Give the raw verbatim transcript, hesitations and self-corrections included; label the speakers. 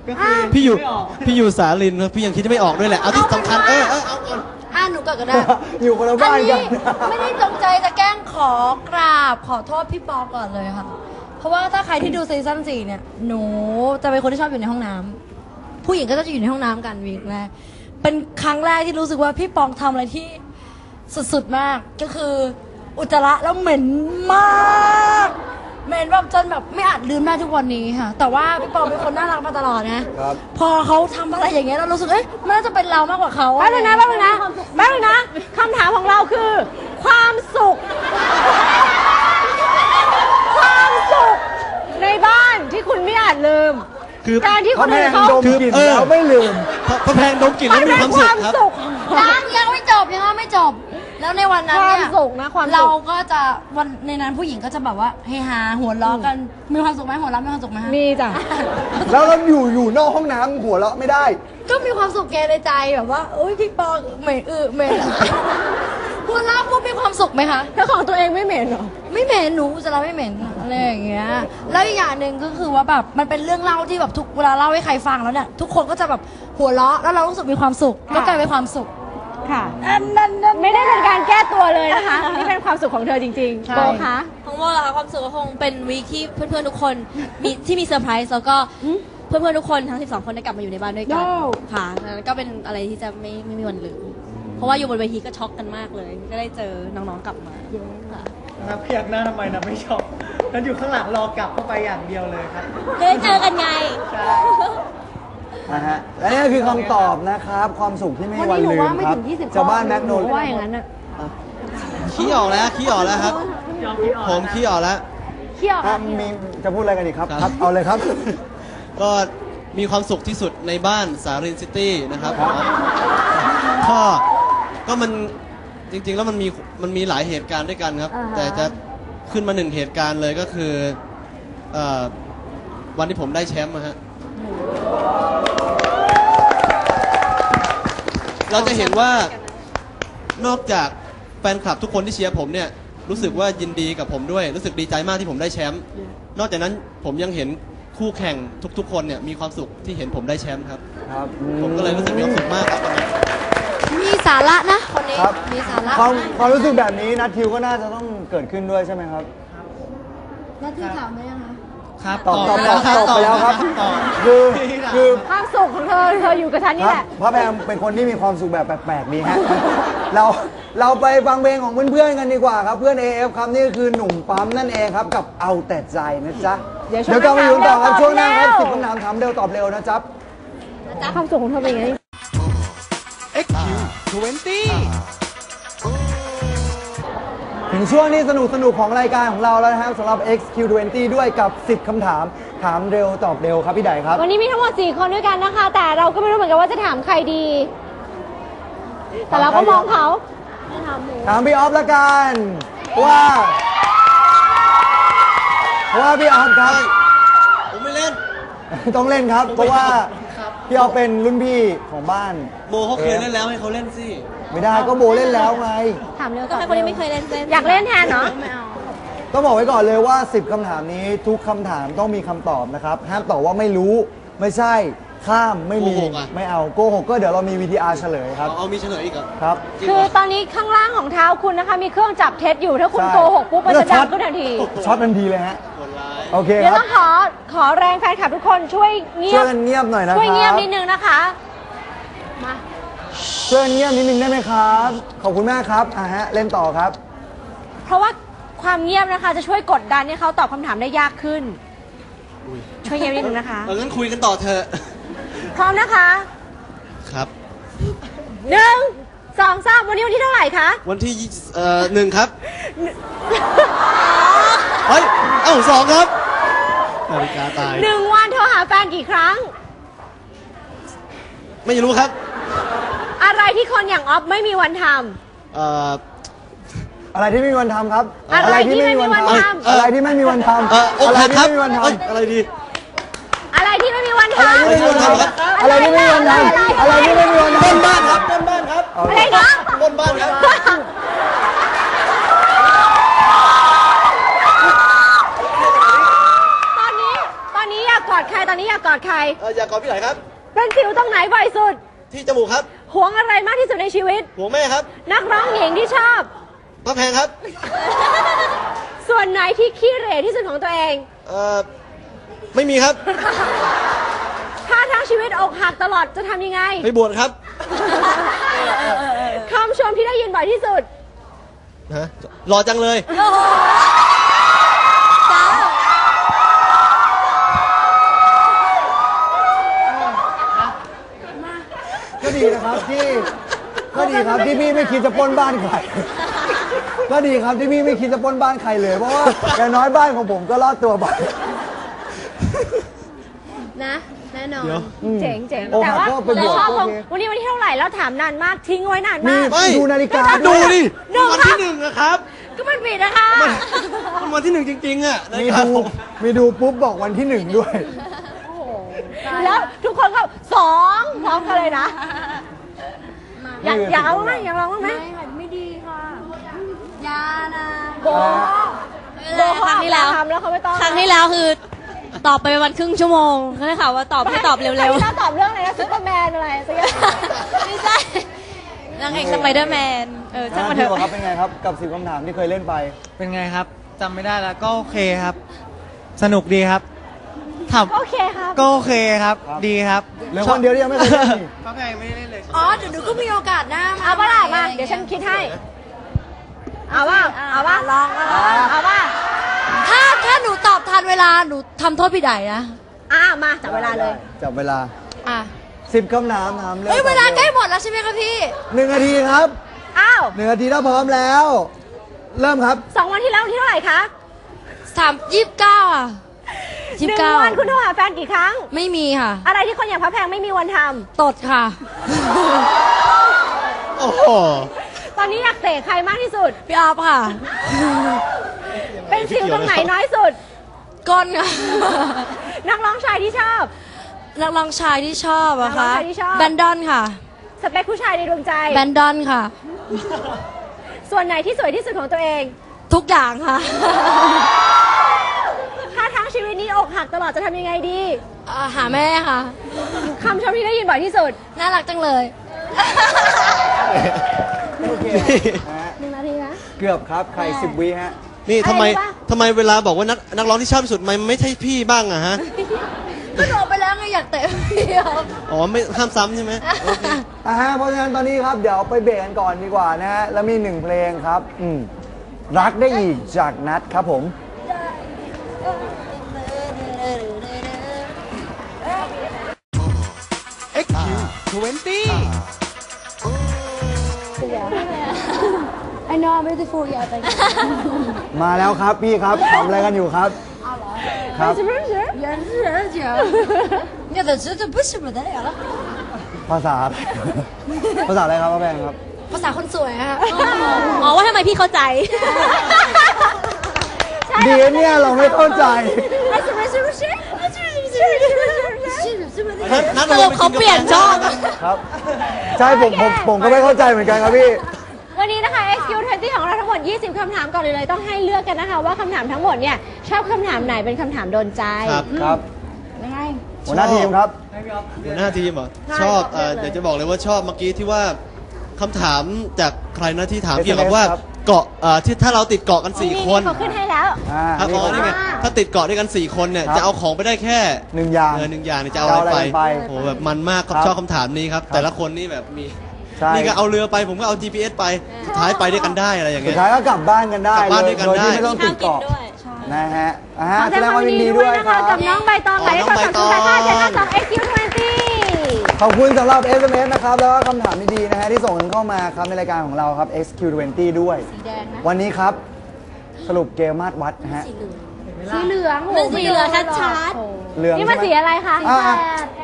Speaker 1: พี่อยู่พี่อยู่สาลินพี่ยังคิดจะไม่ออกด้วยแหละเอาที่สำคัญเออเออเอาก่อน
Speaker 2: อ่ะหนูก่อนก็ได้
Speaker 3: อยู่คนละบ้านกัน
Speaker 2: ไม่ได้จงใจจะแกล้งขอกราบขอโทษพี่ปอก่อนเลยค่ะเพราะว่าถ้าใครที่ดูซีซั่นสี่เนี่ยหนูจะเป็นคนที่ชอบอยู่ในห้องน้ำผู้หญิงก็จะอยู่ในห้องน้ำกันวีคแรกเป็นครั้งแรกที่รู้สึกว่าพี่ปองทำอะไรที่สุดๆมากก็คืออุจจาระแล้วเหม็นมากเหม็นแบบจนแบบไม่อาจลืมได้ทุกวันนี้ค่ะแต่ว่าพี่ปองเป็นคนน่ารักมาตลอดนะพอเขาทำอะไรอย่างเงี้ยเรารู้สึกเอ๊ะมันน่าจะเป็นเรามากกว่าเขา
Speaker 4: แป๊บนึงนะแป๊บนึงนะแป๊บนึงนะคำถามของเราคือความสุขความสุขในบ้านที่คุณไม่อาจลืมคือการที่คนอื่นเขา
Speaker 3: ดมกลิ่นแล้วไม่ลืม
Speaker 1: พระแพงดมกลิ่นแล้วมีความสุขครับ
Speaker 2: ยังยังไม่จบยังไม่จบแล้วในวันนั้นเนี่ยเราก็จะวันในนั้นผู้หญิงก็จะแบบว่าเฮฮาหัวเราะกันมีความสุขไหมหัวเราะมีความสุขไหม
Speaker 4: มีจ้ะ
Speaker 3: แล้วเราอยู่อยู่นอกห้องน้ำหัวเราะไม่ได้
Speaker 2: ก็มีความสุขแกในใจแบบว่าโอ้ยพี่ปอเหม็นอือเหม็นหัวเราะปุ๊บมีความสุขไหมคะ
Speaker 4: แล้วของตัวเองไม่เหม็นหรอ
Speaker 2: ไม่เหม็นหนูจะเราไม่เหม็นอะไรอย่างเงี้ยแล้วอีกอย่างหนึ่งก็คือว่าแบบมันเป็นเรื่องเล่าที่แบบทุกเวลาเล่าให้ใครฟังแล้วเนี่ยทุกคนก็จะแบบหัวเราะแล้วเรารู้สึกมีความสุขก็กลายเป็นความสุข
Speaker 4: ค่ะไม่ได้เป็นการแก้ตัวเลยนะคะนี่เป็นความสุขของเธอจริงๆโบคะ
Speaker 5: ของโบเหรอคะความสุขก็คงเป็นวีคที่เพื่อนๆทุกคนมีที่มีเซอร์ไพรส์แล้วก็เพื่อนๆทุกคนทั้งสิบสองคนได้กลับมาอยู่ในบ้านด้วยกันค่ะนั้นก็เป็นอะไรที่จะไม่ไม่มีวันลืมเพราะว่าอยู่บนเวทีก็ช็อกกันมากเลยก็ได้เจอน้องๆกลับมาค่ะ
Speaker 6: นับเพียกหน้าทำไมนับไม่ช็อกนับอยู่ข้างหลังรอกลับเข้าไปอย่างเดียวเลยครับ
Speaker 5: ได้เจอกันไง
Speaker 3: นะฮะและนี่คือคำตอบนะครับความสุขที่ไม่วันลืมครับชาวบ้านแมกโน
Speaker 4: ว่าอย่างนั้นอ่ะ
Speaker 1: ขี้ออกแล้วขี้ออกแล้วครับผมขี้ออกแล้ว
Speaker 4: ขี้ออก
Speaker 3: มีจะพูดอะไรกันอีกครับครับเอาเลยครับ
Speaker 1: ก็มีความสุขที่สุดในบ้านสารินซิตี้นะครับก็ก็มันจริงๆแล้วมันมีมันมีหลายเหตุการณ์ด้วยกันครับแต่จะขึ้นมาหนึ่งเหตุการณ์เลยก็คือวันที่ผมได้แชมป์นะฮะเราจะเห็นว่านอกจากแฟนคลับทุกคนที่เชียร์ผมเนี่ยรู้สึกว่ายินดีกับผมด้วยรู้สึกดีใจมากที่ผมได้แชมป์นอกจากนั้นผมยังเห็นคู่แข่งทุกๆคนเนี่ยมีความสุขที่เห็นผมได้แชมป์ครับผมก็เลยรู้สึกมีความสุขมากครับ
Speaker 2: มีสาระนะคนนี้มีสาระ
Speaker 3: ความความรู้สึกแบบนี้นัททิวก็น่าจะต้องเกิดขึ้นด้วยใช่ไหมครับ
Speaker 2: นัททิวถามไหมคะ
Speaker 1: ครับ
Speaker 3: ตอบตอบตอบตอบไปแล้วครับคือคือ
Speaker 4: ความสุขของเธอเธออยู่กับฉันนี่แหละ
Speaker 3: พระแพงเป็นคนที่มีความสุขแบบแปลกๆดีฮะเราเราไปฟังเพลงของเพื่อนๆกันดีกว่าครับเพื่อน เอ เอฟ ครับนี่คือหนุ่มปั๊มนั่นเองครับกับเอาแต่ใจนะจ๊ะเดี๋ยวกลับมาอยู่ต่อครับช่วงหน้าครับสิบคำถามถามเร็วตอบเร็วนะจ๊ะ
Speaker 4: ความสุขของเธอเป็นยังไง
Speaker 3: เอ็กซ์ คิว ยี่สิบ ถึงช่วงนี้สนุกสนุกของรายการของเราแล้วนะครับสำหรับ เอ็กซ์ คิว ยี่สิบ ด้วยกับสิบคำถามถามเร็วตอบเร็วครับพี่ไดครับ
Speaker 4: วันนี้มีทั้งหมดสี่คนด้วยกันนะคะแต่เราก็ไม่รู้เหมือนกันว่าจะถามใครดีแต่เราก็มองเขา
Speaker 3: ถามพี่ออฟละกันว่าว่าพี่ออฟครับ
Speaker 1: ผมไม่เล่น
Speaker 3: ต้องเล่นครับเพราะว่าพี่ออฟเป็นรุ่นพี่ของบ้าน
Speaker 1: โบเขาเคยเล่นแล้วให้เขาเล่นสิ
Speaker 3: ไม่ได้ก็โบเล่นแล้วไง
Speaker 4: ถามเร็ว
Speaker 5: ก็ให้คนที่ไม่เคยเล่นเล่น
Speaker 4: อยากเล่นแทนเนาะ
Speaker 5: ไม่เอา
Speaker 3: ต้องบอกไว้ก่อนเลยว่าสิบคำถามนี้ทุกคำถามต้องมีคำตอบนะครับห้ามตอบว่าไม่รู้ไม่ใช่ข้ามไม่มีไม่เอาโกหกก็เดี๋ยวเรามี วี ที อาร์ เฉลยครับ
Speaker 1: เอามีเฉลยอีก
Speaker 3: ครับ
Speaker 4: คือตอนนี้ข้างล่างของเท้าคุณนะคะมีเครื่องจับเท็จอยู่ถ้าคุณโกหกปุ๊บมันจะดังขึ้นทันที
Speaker 3: ช็อตทันทีเลยฮะโอเค
Speaker 4: เดี๋ยวต้องขอขอแรงแฟนคลับทุกคนช่วยเงียบ
Speaker 3: ช่วยเงียบหน่อยนะครับ
Speaker 4: ช่วยเงียบนิดนึงนะคะมา
Speaker 3: ช่วยเงียบนิดนึงได้ไหมครับขอบคุณมากครับอ่ะฮะเล่นต่อครับ
Speaker 4: เพราะว่าความเงียบนะคะจะช่วยกดดันให้เขาตอบคำถามได้ยากขึ้นช่วยเงียบนิดนึงนะคะ
Speaker 1: เอองั้นคุยกันต่อเถอะ
Speaker 4: พร้อมนะคะ
Speaker 1: ครับ
Speaker 4: หนึ่งสองสามวันนี้วันที่เท่าไหร่คะ
Speaker 1: วันที่เอ่อหนึ่งครับเฮ้ยเอ้าสองครับนาฬิกาตาย
Speaker 4: หนึ่งวันเธอหาแฟนกี่ครั้ง
Speaker 1: ไม่รู้ครับ
Speaker 4: อะไรที่คนอย่างออฟไม่มีวันทำ
Speaker 1: เอ่อ
Speaker 3: อะไรที่ไม่มีวันทำครับ
Speaker 4: อะไรที่ไม่มีวันท
Speaker 3: ำอะไรที่ไม่มีวันทำ
Speaker 1: อะไรที่ไม่
Speaker 3: มีวันท
Speaker 1: ำอะไรดี
Speaker 4: อะไรที่ไม่มีวันทำ
Speaker 3: อะไรที่ไม่มีวันทำอะไรที่ไม่มีวันทำ
Speaker 1: บนบ้านครับบนบ้านครับ
Speaker 4: อะไรนะ
Speaker 1: บนบ้านครับ
Speaker 4: ตอนนี้ตอนนี้อยากขออดใครตอนนี้อยากกอดใคร
Speaker 1: เอออยากกอดพี่ไหนครับ
Speaker 4: เป็นสิวตรงไหนบ่อยสุด
Speaker 1: ที่จมูกครับ
Speaker 4: หวงอะไรมากที่สุดในชีวิต
Speaker 1: หัวแม่ครับ
Speaker 4: นักร้องหญิงที่ชอบ
Speaker 1: พระแพงครับ
Speaker 4: ส่วนไหนที่ขี้เหร่ที่สุดของตัวเอง
Speaker 1: เออไม่มีครับ
Speaker 4: ถ้าทั้งชีวิตอกหักตลอดจะทำยังไง
Speaker 1: ไปบวชครับ
Speaker 4: คำชมที่ได้ยินบ่อยที่สุด
Speaker 1: ฮะหล่อจังเลย
Speaker 3: ก็ดีนะครับที่ก็ดีครับที่พี่ไม่คิดจะปล้นบ้านใคร ก็ดีครับที่พี่ไม่คิดจะปล้นบ้านใครเลยเพราะว่าอย่างน้อยบ้านของผมก็รอดตัวไป
Speaker 5: นะแน่นอน
Speaker 1: เดี๋ยว
Speaker 4: เจ๋งเจ๋ง
Speaker 3: โอ้
Speaker 4: แต่ว่า
Speaker 3: ก็ไปบ
Speaker 4: เรา
Speaker 3: วช
Speaker 4: ชอบ
Speaker 3: ก็
Speaker 4: ค
Speaker 3: โอง เค
Speaker 4: วันนี้วันที่เท่าไหร่แล้วถามนานมากทิ้งไว้นาน
Speaker 3: มี
Speaker 4: มาก
Speaker 1: ไม่
Speaker 3: ดูนาฬิกา
Speaker 1: ดู
Speaker 3: ด้วย
Speaker 1: ดิ
Speaker 4: หนึ่ง
Speaker 1: วัน
Speaker 4: ครับ
Speaker 1: ที่หนึ่งนะครับ
Speaker 4: ก็มันผิดนะคะ
Speaker 1: มันวันที่หนึ่งจริงๆอ่ะ
Speaker 3: มี
Speaker 1: นะครับ
Speaker 3: ดู
Speaker 1: ผม
Speaker 3: มีดูปุ๊บบอกวันที่หนึ่งด้วย
Speaker 4: แล้วทุกคนก็สองพร้อมกันเลยนะ อยากอยากเอาบ้างไหมอยากลองบ้างไหม
Speaker 2: ไม่ค่ะไม่ดีค่ะยานะ
Speaker 4: โบโบ
Speaker 5: ครั้งที่แล้ว
Speaker 4: ทำแล้วเขาไม่ต้อง
Speaker 5: ครั้งที่แล้วคือ ตอบไปประมาณครึ่งชั่วโมงเขาได้ข่าวว่าตอบให้ตอบเร็ว
Speaker 4: ครั้งที่แล้วตอบเรื่องอะไรนะซุปเปอร์แมนอะไรสักอย่าง
Speaker 5: ๆ ไม่ใช่นางเอกสไปเดอร์แมน เออช่างมันเถ
Speaker 3: พี่
Speaker 5: อะ
Speaker 3: บอกครับเป็นไงครับกับสิบคำถามที่เคยเล่นไป
Speaker 6: เป็นไงครับจำไม่ได้แล้วก็โอเคครับ สนุกดีครับถาม
Speaker 4: โอเคครับ
Speaker 6: ก็โอเคครับ
Speaker 3: ครับ
Speaker 6: ดีครับ
Speaker 3: เหลือคนเดียวที่ยังไม่เคยเล่นนี่
Speaker 6: ก็ไงไม่ได้เล่นเลย
Speaker 2: อ๋อเดี๋ยวหนูก็มีโอกาสหน้ามา
Speaker 4: เอาป่ะล่ะมาเดี๋ยวฉันคิดให้ เอาว่าเอาว่า
Speaker 2: ลองลอง
Speaker 4: เอาว่า
Speaker 2: ถ้าถ้าหนูตอบทันเวลาหนูทำโทษพี่ใดนะ
Speaker 4: อ่ามาจับเวลาเลย
Speaker 3: จับเวลา
Speaker 2: อ่ะ
Speaker 3: สิบคำถามถามเร็ว
Speaker 2: เฮ้ยเวลาใกล้หมดแล้วใช่ไหมคะพี่
Speaker 3: หนึ่งนาทีครับ
Speaker 4: อ้าว
Speaker 3: หนึ่งนาทีถ้าพร้อมแล้ว เริ่มครับ
Speaker 4: สองวันที่แล้ววันที่เท่าไหร่คะ
Speaker 2: สามยี่สิบเก้าอ่ะ
Speaker 4: ห
Speaker 2: ยี่สิ
Speaker 4: นึ่
Speaker 2: บ
Speaker 4: ง
Speaker 2: เก้า
Speaker 4: วันคุณโทรหาแฟนกี่ครั้ง
Speaker 2: ไม่มีค่ะ
Speaker 4: อะไรที่คนอย่างพระแพงไม่มีวันท
Speaker 2: ตดค่ะ
Speaker 1: โอ้โห
Speaker 4: ำ ตอนนี้อยากเตะใครมากที่สุด
Speaker 2: พี่ออฟค่ะ
Speaker 4: เป็นสิวตรงไหนน้อยสุด
Speaker 2: ก้นค่ะ
Speaker 4: นักร้องชายที่ชอบ
Speaker 2: นักร้องชายที่ชอบอะ
Speaker 4: นักร้อ
Speaker 2: คะ
Speaker 4: งชายที่ชอบ
Speaker 2: แบนดอนค่ะ
Speaker 4: สเปคผู้ชายในดวงใจ
Speaker 2: แบนดอนค่ะ
Speaker 4: ส่วนไหนที่สวยที่สุดของตัวเอง
Speaker 2: ทุกอย่างค่ะ
Speaker 4: ถ้าทั้งชีวิตนี้อกหักตลอดจะทำยังไงดี
Speaker 2: อ่าหาแม่ค่ะ
Speaker 4: คำชมที่ได้ยินบ่อยที่สุด
Speaker 2: น่ารักจังเลย
Speaker 3: โอเคฮะ
Speaker 4: หนึ่งนาทีนะ
Speaker 3: เกือบครับ ใครสิบวิฮะ
Speaker 1: นี่ทำไม
Speaker 4: อะไรวะ
Speaker 1: ทำไมเวลาบอกว่านักนักร้องที่ชอบที่สุดมันไม่ใช่พี่บ้างอะฮะ
Speaker 2: ก็โดนไปแล้วไงอยากเตะพี่ออฟ
Speaker 1: อ๋อไม่ห้ามซ้ำใช่ไหมโอเค
Speaker 3: อ่าฮะเพราะฉะนั้นตอนนี้ครับเดี๋ยวไปเบรกกันก่อนดีกว่านะฮะ แล้วมีหนึ่งเพลงครับ อืมรักได้อีกจากนัดครับผม
Speaker 6: เอ็กซ์คิวทเวนตี้
Speaker 2: I know I'm beautiful yeah thank you
Speaker 3: มาแล้วครับพี่ครับทำอะไรกันอยู่ครับ ครับ
Speaker 2: 也是讲你的这这不是不得了了
Speaker 3: ภาษา ภาษาอะไรครับป้าแพงครับ
Speaker 2: ภาษาคนสวยอะ
Speaker 5: อ๋อว่าทำไมพี่เข้าใจ
Speaker 3: ดีเนี่ยเราไม่เข้าใจ
Speaker 1: นัด
Speaker 5: สรุปเขาเปลี่ยนช่อง
Speaker 3: ครับ ใช่ผมผมผมก็ไม่เข้าใจเหมือนกันครับพี่
Speaker 4: วันนี้นะคะ เอ็กซ์ คิว ทเวนตี้ ของเราทั้งหมด ยี่สิบ คำถามก่อนเลยเลยต้องให้เลือกกันนะคะว่าคำถามทั้งหมดเนี่ยชอบคำถามไหนเป็นคำถามโดนใจ
Speaker 1: ครับ
Speaker 3: ครับ
Speaker 2: ไม่ให้
Speaker 3: หัวหน้าทีมครับ
Speaker 1: หัวหน้าทีมเหรอชอบเอ่อเดี๋ยวจะบอกเลยว่าชอบเมื่อกี้ที่ว่าคำถามจากใครนะที่ถาม
Speaker 3: เอส
Speaker 1: เกี่ยวกับว่า
Speaker 3: ครับ
Speaker 1: เกาะเอ่อที่ถ้าเราติดเกาะกันสี่คน
Speaker 4: เขาขึ้นให้แล้ว
Speaker 3: อ่า
Speaker 1: ถ้า
Speaker 3: นี่
Speaker 1: อ๋อ
Speaker 3: ครับ
Speaker 1: นี่ไงถ้าติดเกาะด้วยกันสี่คนเนี่ย
Speaker 3: ครับ
Speaker 1: จะเอาของไปได้แค่
Speaker 3: หนึ่งอย่าง
Speaker 1: เออหนึ่งอย่างเนี่ยจะเอาอะไรไป
Speaker 3: จะเอาอะไรไป
Speaker 1: โอ้โหแบบมันมากครับ
Speaker 3: ครับ
Speaker 1: ชอบคำถามนี้ครับ
Speaker 3: ครับ
Speaker 1: แต่ละคนนี่แบบมี
Speaker 3: ใช่
Speaker 1: นี่ก็เอาเรือไปผมก็เอา จี พี เอส ไปสุดท้ายไปด้วยกันได้อะไรอย่าง
Speaker 3: สุ
Speaker 1: เงี้
Speaker 3: ด
Speaker 1: ย
Speaker 3: ท้ายก็กลับบ้านกันได้
Speaker 1: กลับบ้านด้วยกัน
Speaker 3: โดยที่
Speaker 1: ได้
Speaker 3: ไม่ต้องติดเกาะ
Speaker 5: ด้วยใช่
Speaker 3: นะฮะอ่า
Speaker 4: ขอ
Speaker 3: แส
Speaker 4: แสด
Speaker 3: ด
Speaker 4: ง
Speaker 3: ง
Speaker 4: ความ
Speaker 3: ความ
Speaker 4: ยิ
Speaker 3: ยิ
Speaker 4: น
Speaker 3: น
Speaker 4: ดี
Speaker 3: ดี
Speaker 4: ด้
Speaker 3: ด้
Speaker 4: ว
Speaker 3: วย ย
Speaker 4: นะ
Speaker 3: ค
Speaker 4: คะ
Speaker 3: รับ
Speaker 4: กับน้องใบตองหมายเลข
Speaker 1: น้องใบ
Speaker 4: สอง
Speaker 1: ต
Speaker 4: ศู
Speaker 1: อน ง
Speaker 4: ย์แปดห้าเจ็ดห้าสอง เอ็กซ์ คิว ทเวนตี้
Speaker 3: ขอบคุณสำหรับ เอส เอ็ม เอส นะครับ แล้วก็คำถามดีๆนะฮะที่ส่งกันเข้ามาครับในรายการของเราครับ เอ็กซ์ คิว ทเวนตี้ ด้วย วันนี้ครับ สรุปเกมมาดวัดนะฮะ
Speaker 4: สีเหลืองโอ้โห
Speaker 5: มันสีเหลืองชัด
Speaker 3: เหลือง
Speaker 4: นี่มัน
Speaker 3: ใช่
Speaker 4: สี
Speaker 3: ไหม
Speaker 4: อะไรคะ
Speaker 3: อ่า